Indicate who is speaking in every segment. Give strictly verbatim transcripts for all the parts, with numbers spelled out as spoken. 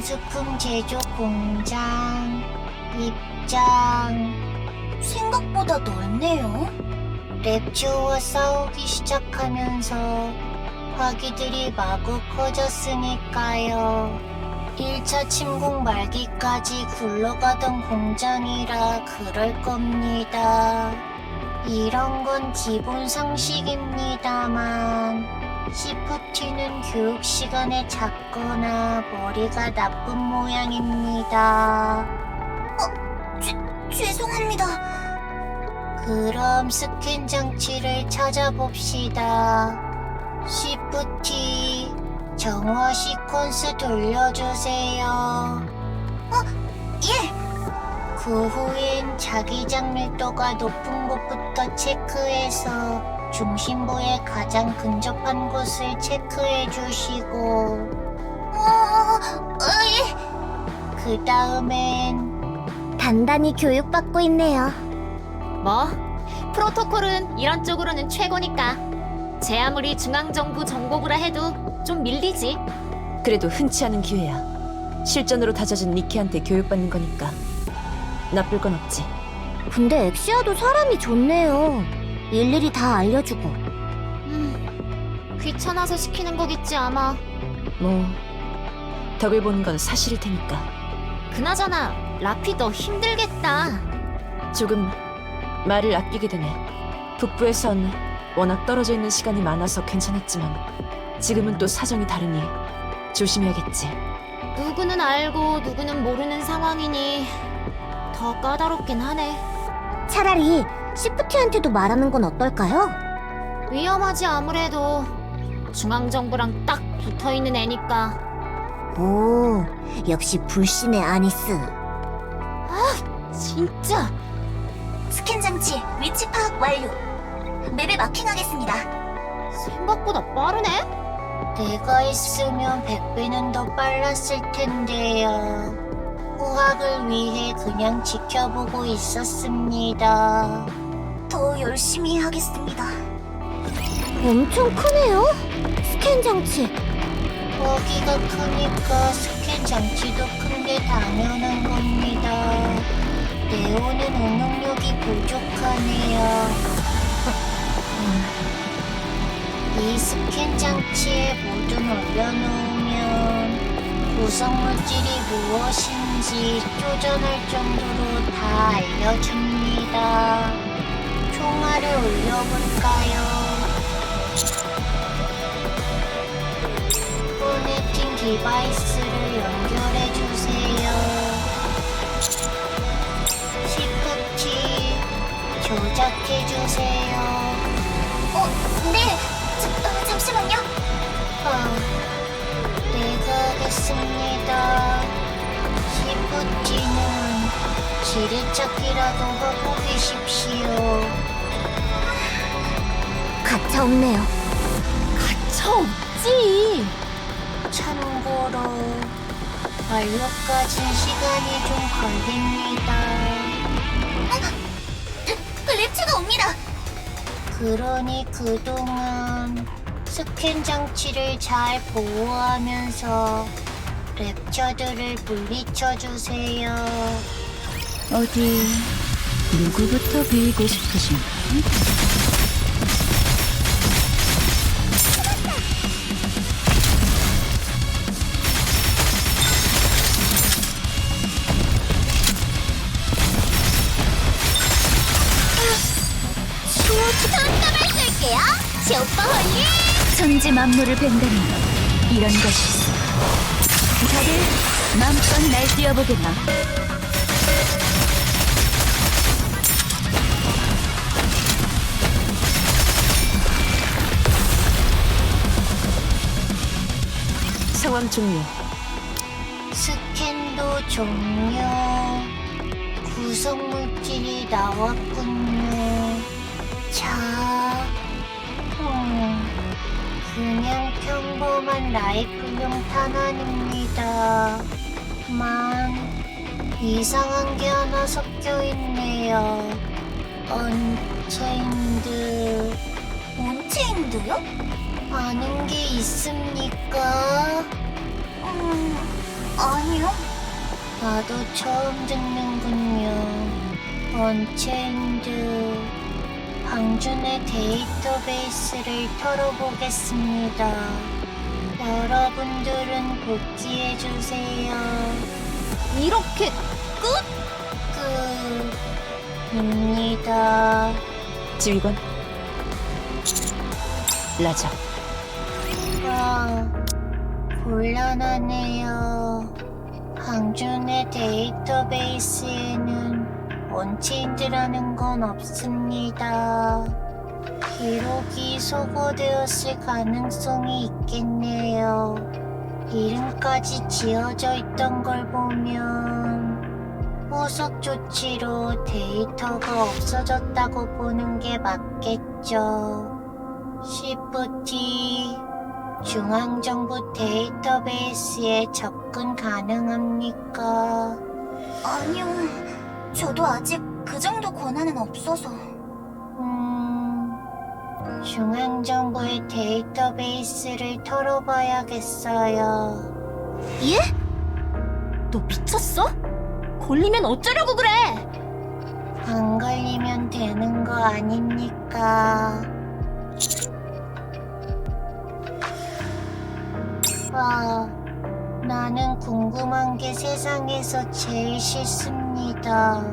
Speaker 1: 장수품 제조 공장 입장. 생각보다 넓네요. 랩처와 싸우기 시작하면서 화기들이 마구 커졌으니까요. 일 차 침공 말기까지 굴러가던 공장이라 그럴 겁니다. 이런 건 기본 상식입니다만 시프티는 교육 시간에 작거나 머리가 나쁜 모양입니다. 어, 죄, 죄송합니다. 그럼 스캔 장치를 찾아봅시다. 시프티, 정화 시퀀스 돌려주세요. 어, 예. 그 후엔 자기장 밀도가 높은 곳부터 체크해서 중심부에 가장 근접한 곳을 체크해 주시고, 어, 어, 예. 그 다음엔 단단히 교육받고 있네요.
Speaker 2: 뭐, 프로토콜은 이런 쪽으로는 최고니까. 제 아무리 중앙정부 정보부라 해도 좀 밀리지.
Speaker 3: 그래도 흔치 않은 기회야. 실전으로 다져진 니키한테 교육받는 거니까 나쁠 건 없지.
Speaker 1: 근데 엑시아도 사람이 좋네요. 일일이 다 알려주고.
Speaker 2: 음, 귀찮아서 시키는 거겠지 아마.
Speaker 3: 뭐 덕을 보는 건 사실일 테니까.
Speaker 2: 그나저나 라피 더 힘들겠다.
Speaker 3: 조금 말을 아끼게 되네. 북부에선 워낙 떨어져 있는 시간이 많아서 괜찮았지만 지금은 또 사정이 다르니 조심해야겠지.
Speaker 2: 누구는 알고 누구는 모르는 상황이니 더 까다롭긴 하네.
Speaker 1: 차라리 시프티한테도 말하는 건 어떨까요?
Speaker 2: 위험하지 아무래도. 중앙정부랑 딱 붙어있는 애니까.
Speaker 1: 오, 역시 불신의 아니스.
Speaker 2: 진짜.
Speaker 1: 스캔 장치 위치 파악 완료. 맵에 마킹하겠습니다.
Speaker 2: 생각보다 빠르네?
Speaker 1: 내가 있으면 백 배는 더 빨랐을 텐데요. 후학을 위해 그냥 지켜보고 있었습니다. 더 열심히 하겠습니다. 엄청 크네요? 스캔 장치. 거기가 크니까 스캔 장치도 큰 게 당연한 겁니다. 네오는 응용력이 부족하네요. 이 스캔 장치에 모두 올려놓으면 구성물질이 무엇인지 쪼전할 정도로 다 알려줍니다. 총알을 올려볼까요? 커넥팅 디바이스를 연결해주세요. 시프티 조작해주세요. 어, 네. 자, 어, 잠시만요. 어, 내가 하겠습니다. 시프티는 지리찾기라도 하고 계십시오. 가차 없네요.
Speaker 2: 가차 없지.
Speaker 1: 참고로 완료까지 시간이 좀 걸립니다. 랩츠가 옵니다. 그러니 그동안 스캔 장치를 잘 보호하면서 랩처들을 물리쳐주세요.
Speaker 4: 어디 누구부터 비이고 싶으신가?
Speaker 1: 손가락 쓸게요. 쇼파 홀리.
Speaker 4: 천지 만물을 벤다는 것 이런 것이 있어. 다들 마음껏 날뛰어보게나.
Speaker 3: 상황 종료.
Speaker 1: 스캔도 종료. 구성물질이 나왔군요. 자, 음, 그냥 평범한 라이플용 탄환입니다. 만 이상한 게 하나 섞여 있네요. 언체인드. 언체인드요? 아는 게 있습니까? 음, 아니요. 나도 처음 듣는군요. 언체인드. 방준의 데이터베이스를 털어보겠습니다. 여러분들은 복귀해주세요.
Speaker 2: 이렇게 끝?
Speaker 1: 끝입니다.
Speaker 3: 지휘관 라자.
Speaker 1: 아, 곤란하네요. 방준의 데이터베이스에는 언체인드라는 건 없습니다. 기록이 소거되었을 가능성이 있겠네요. 이름까지 지어져 있던 걸 보면 후속 조치로 데이터가 없어졌다고 보는 게 맞겠죠. 시프티 중앙정부 데이터베이스에 접근 가능합니까?
Speaker 5: 아니요, 저도 아직 그 정도 권한은 없어서.
Speaker 1: 음, 중앙정부의 데이터베이스를 털어봐야겠어요.
Speaker 2: 예? 너 미쳤어? 걸리면 어쩌려고 그래?
Speaker 1: 안 걸리면 되는 거 아닙니까? 아, 나는 궁금한 게 세상에서 제일 싫습니다.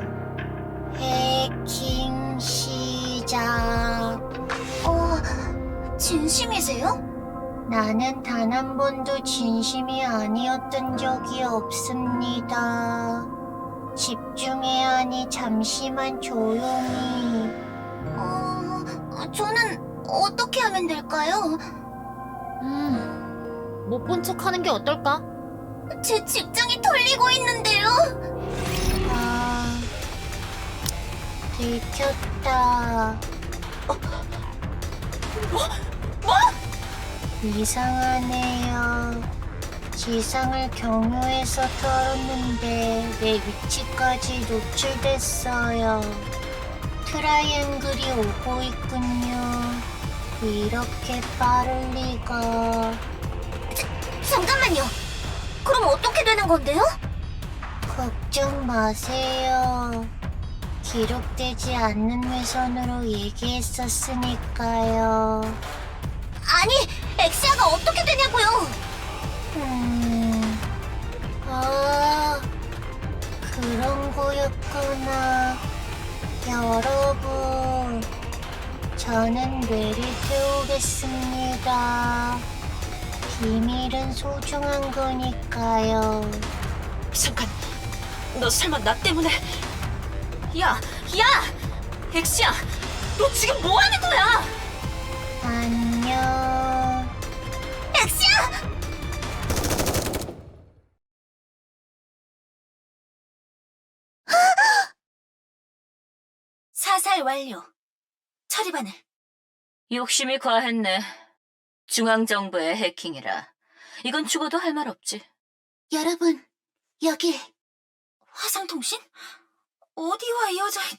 Speaker 1: 해킹 시작.
Speaker 5: 어, 진심이세요?
Speaker 1: 나는 단 한 번도 진심이 아니었던 적이 없습니다. 집중해야 하니 잠시만 조용히.
Speaker 5: 어, 저는 어떻게 하면 될까요?
Speaker 2: 음, 못 본 척 하는 게 어떨까?
Speaker 5: 제 직장이 털리고 있는데요.
Speaker 1: 아, 들켰다. 어, 뭐? 뭐? 이상하네요. 지상을 경유해서 털었는데 내 위치까지 노출됐어요. 트라이앵글이 오고 있군요. 이렇게 빠를 리가.
Speaker 5: 잠깐만요. 그럼 어떻게 되는 건데요?
Speaker 1: 걱정 마세요. 기록되지 않는 외선으로 얘기했었으니까요.
Speaker 5: 아니, 엑시아가 어떻게 되냐고요?
Speaker 1: 음, 아, 그런 거였구나. 여러분, 저는 뇌를 태우겠습니다. 비밀은 소중한 거니까요.
Speaker 3: 잠깐, 너 설마 나 때문에? 야, 야! 엑시야, 너 지금 뭐 하는 거야?
Speaker 1: 안녕.
Speaker 5: 엑시아! 사살 완료. 처리반을.
Speaker 6: 욕심이 과했네. 중앙정부의 해킹이라. 이건 죽어도 할 말 없지.
Speaker 5: 여러분, 여기 화상통신? 어디와 이어져 있...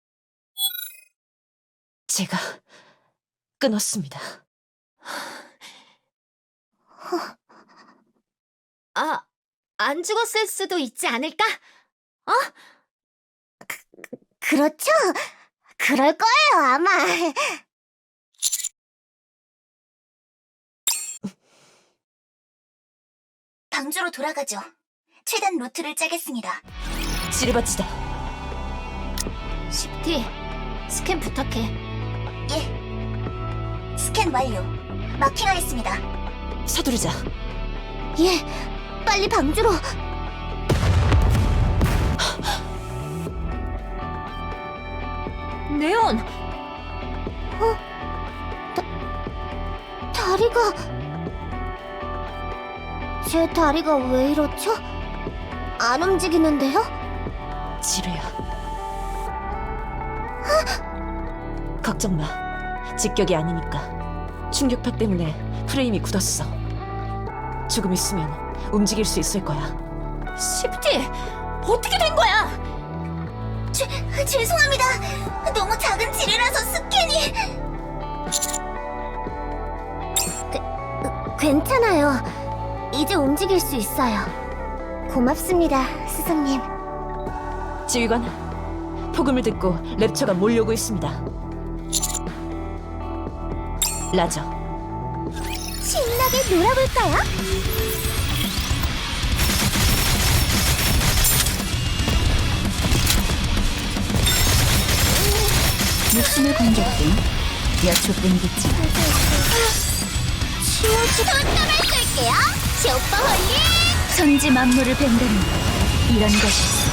Speaker 3: 제가 끊었습니다.
Speaker 2: 아, 안 죽었을 수도 있지 않을까? 어?
Speaker 1: 그렇죠? 그럴 거예요, 아마.
Speaker 5: 방주로 돌아가죠. 최단 루트를 짜겠습니다.
Speaker 3: 지르바치다.
Speaker 2: 십티, 스캔 부탁해.
Speaker 5: 예. 스캔 완료. 마킹하겠습니다.
Speaker 3: 서두르자.
Speaker 1: 예, 빨리 방주로.
Speaker 2: 네온!
Speaker 1: 다리가... 제 다리가 왜 이렇죠? 안 움직이는데요?
Speaker 3: 지루야. 걱정 마. 직격이 아니니까. 충격파 때문에 프레임이 굳었어. 조금 있으면 움직일 수 있을 거야.
Speaker 2: 십티! 어떻게 된 거야?
Speaker 5: 죄, 죄송합니다. 너무 작은 지뢰라서 스캔이...
Speaker 1: 괜찮아요. 이제 움직일 수 있어요. 고맙습니다, 스승님.
Speaker 3: 지휘관, 폭음을 듣고 랩처가 몰려오고 있습니다. 라저,
Speaker 1: 신나게 놀아볼까요?
Speaker 4: 목숨을 건졌군. 몇 초뿐이겠지.
Speaker 1: 손톱을 쓸게요. 슈퍼 홀리.
Speaker 4: 천지 만물을 뱀다는 이런 것이 있어.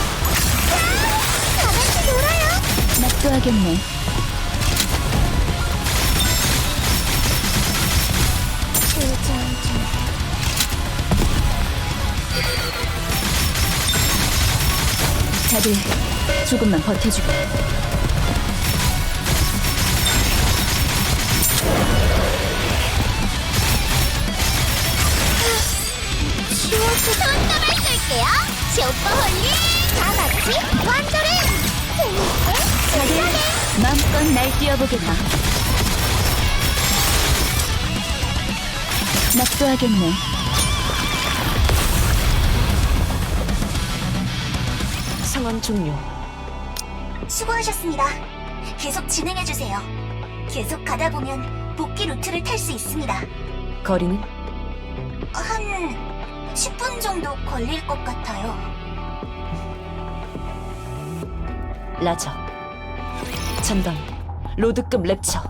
Speaker 1: 다 같이 놀아요.
Speaker 4: 맛도 하겠네. 다들 조금만 버텨주게.
Speaker 1: 손톱을 쓸게요. 슈퍼 홀리. 다 같이 완전히 재밌게
Speaker 4: 다들 마음껏 날뛰어보겠나. 맛도 하겠네.
Speaker 3: 상황 종료.
Speaker 5: 수고하셨습니다. 계속 진행해주세요. 계속 가다 보면 복귀 루트를 탈 수 있습니다.
Speaker 3: 거리는?
Speaker 5: 한 십 분 정도 걸릴 것 같아요.
Speaker 3: 라저, 전방, 로드급 랩처.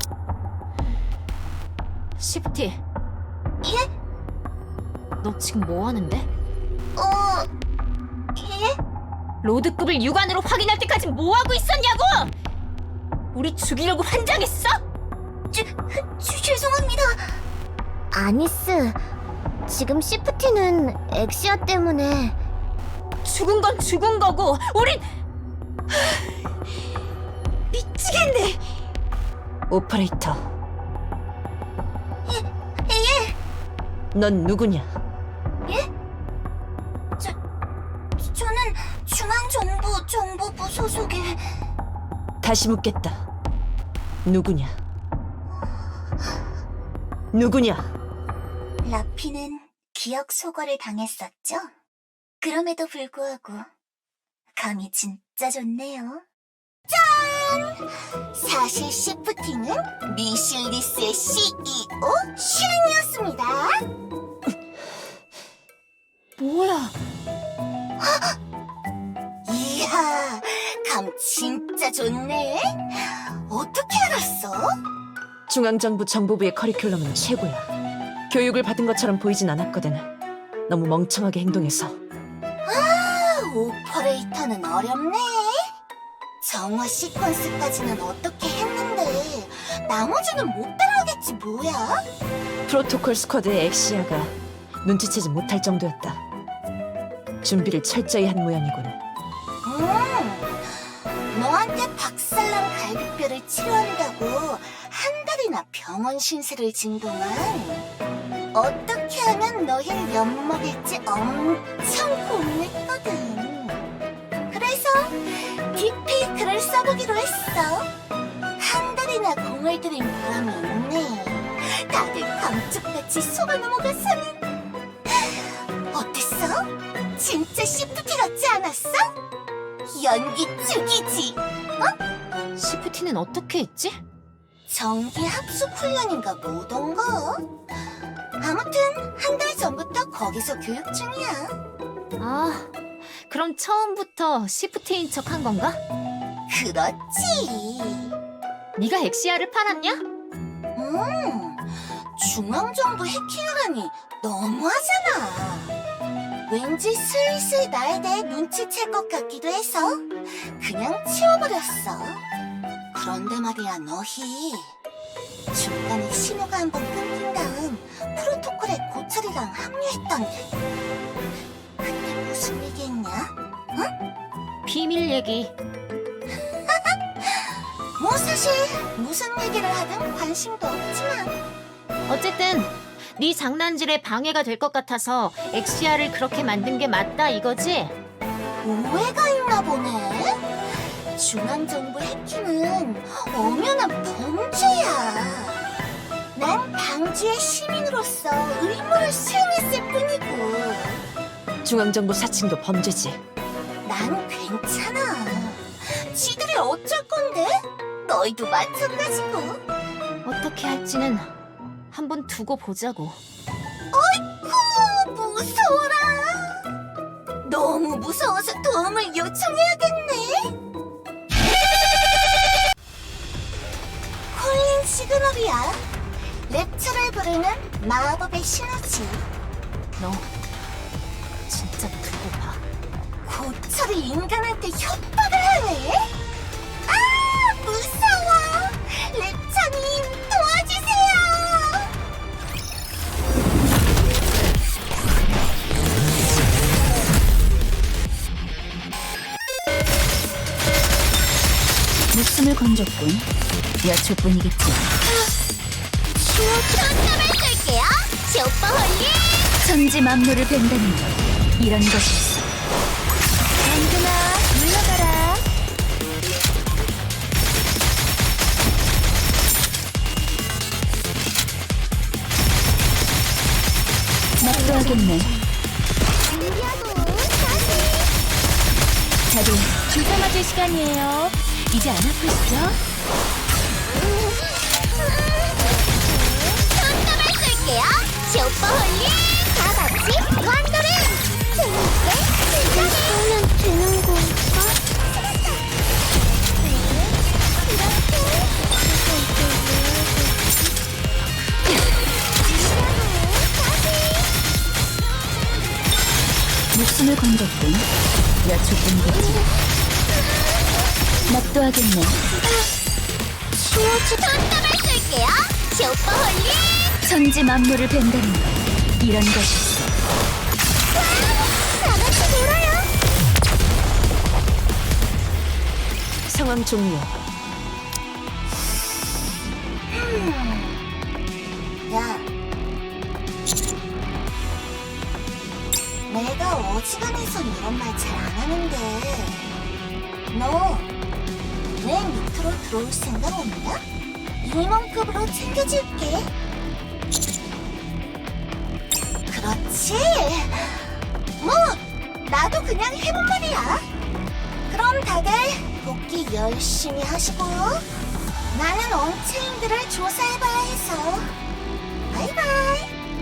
Speaker 2: 시프티,
Speaker 5: 예?
Speaker 2: 너 지금 뭐 하는데?
Speaker 5: 어... 예?
Speaker 2: 로드급을 육안으로 확인할 때까지 뭐 하고 있었냐고! 우리 죽이려고 환장했어?
Speaker 5: 죄, 죄, 죄송합니다.
Speaker 1: 아니스, 지금 시프티는 엑시아 때문에.
Speaker 2: 죽은 건 죽은 거고, 우린 미치겠네.
Speaker 3: 오퍼레이터,
Speaker 5: 예?
Speaker 3: 넌 누구냐?
Speaker 5: 저... 저는 중앙정부 정보부 소속의...
Speaker 3: 다시 묻겠다. 누구냐? 누구냐?
Speaker 5: 라피는 기억 소거를 당했었죠? 그럼에도 불구하고 감이 진짜 좋네요. 짠! 사실 시프티는 미실리스의 씨이오 슈린이었습니다.
Speaker 2: 뭐야?
Speaker 5: 이야, 감 진짜 좋네. 어떻게 알았어?
Speaker 3: 중앙정부 정보부의 커리큘럼은 최고야. 교육을 받은 것처럼 보이진 않았거든. 너무 멍청하게 행동해서.
Speaker 5: 오퍼레이터는 어렵네. 정화 시퀀스까지는 어떻게 했는데 나머지는 못 따라하겠지 뭐야?
Speaker 3: 프로토콜 스쿼드의 엑시아가 눈치채지 못할 정도였다. 준비를 철저히 한 모양이군.
Speaker 5: 음, 너한테 박살난 갈비뼈를 치료한다고 한 달이나 병원 신세를 진 동안 어떻게 하면 너희를 엿먹일지 엄청 고민했거든. 그래서 디피 글을 써보기로 했어. 한 달이나 공을 들인 보람이 있네. 다들 감쪽같이 속아 넘어가서는. 어땠어? 진짜 시프티 같지 않았어? 연기 죽이지?
Speaker 2: 시프티는 어떻게 했지?
Speaker 5: 정기 합숙 훈련인가 뭐던가? 아무튼 한 달 전부터 거기서 교육 중이야.
Speaker 2: 아, 그럼 처음부터 시프티인 척 한 건가?
Speaker 5: 그렇지.
Speaker 2: 네가 엑시아를 팔았냐?
Speaker 5: 음, 중앙정부 해킹이라니 너무하잖아. 왠지 슬슬 나에 대해 눈치챌 것 같기도 해서 그냥 치워버렸어. 그런데 말이야 너희, 중간에 신호가 한 번 끊긴 다음 프로토콜에 고철이랑 합류했던데 그때 무슨 얘기했냐?
Speaker 2: 비밀 얘기.
Speaker 5: 뭐 사실 무슨 얘기를 하든 관심도 없지만.
Speaker 2: 어쨌든 네 장난질에 방해가 될 것 같아서 엑시아를 그렇게 만든 게 맞다 이거지?
Speaker 5: 오해가 있나 보네. 중앙정부 해킹은 엄연한 범죄야. 난 방주의 시민으로서 의무를 수행했을 뿐이고.
Speaker 3: 중앙정부 사칭도 범죄지.
Speaker 5: 난 괜찮아. 지들이 어쩔 건데? 너희도 마찬가지고.
Speaker 2: 어떻게 할지는 한번 두고 보자고.
Speaker 5: 어이쿠, 무서워라. 너무 무서워서 도움을 요청해야겠네. 콜린 시그널이야. 랩처를 부르는 마법의 신호지.
Speaker 2: 너 진짜 두고 봐.
Speaker 5: 고철이 인간한테 협박을 하네? 아, 무서워. 랩처님, 도와주세요.
Speaker 4: 목숨을 건졌군. 몇 초뿐이겠지.
Speaker 1: 손톱을 쓸게요. 슈퍼 홀리.
Speaker 4: 천지 만물을 벤다는 것. 이런 것이었어.
Speaker 1: 안그나 물러가라.
Speaker 4: 납도 하겠네.
Speaker 1: 준비하고 다시.
Speaker 4: 다들 주사 맞을 시간이에요. 이제 안 아프시죠?
Speaker 1: 손톱을 쓸게요. 슈퍼 홀리. 다 같이 완도를. 재밌게 즐기면 되는 건가?
Speaker 4: 목숨을 건졌군. 몇 초뿐이겠지. 납도 하겠네.
Speaker 1: 손톱을 쓸게요. 슈퍼 홀리.
Speaker 4: 천지 만물을 벤다는 것. 이런 것이었어.
Speaker 1: 다 같이 놀아요.
Speaker 3: 상황 종료.
Speaker 5: 야, 내가 어지간해선 이런 말 잘 안 하는데 너 내 밑으로 들어올 생각 없냐? 임원급으로 챙겨줄게. 그렇지. 뭐 나도 그냥 해본 말이야. 그럼 다들 복귀 열심히 하시고요. 나는 언체인들을 조사해봐야 해서. 바이바이.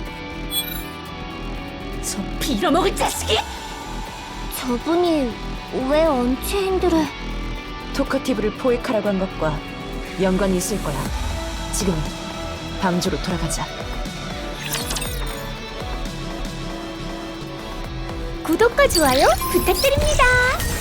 Speaker 2: 저 빌어먹을 자식이!
Speaker 1: 저분이 왜 언체인들을...
Speaker 3: 토커티브를 포획하라고 한 것과 연관이 있을 거야. 지금 방주로 돌아가자.
Speaker 1: 구독과 좋아요 부탁드립니다.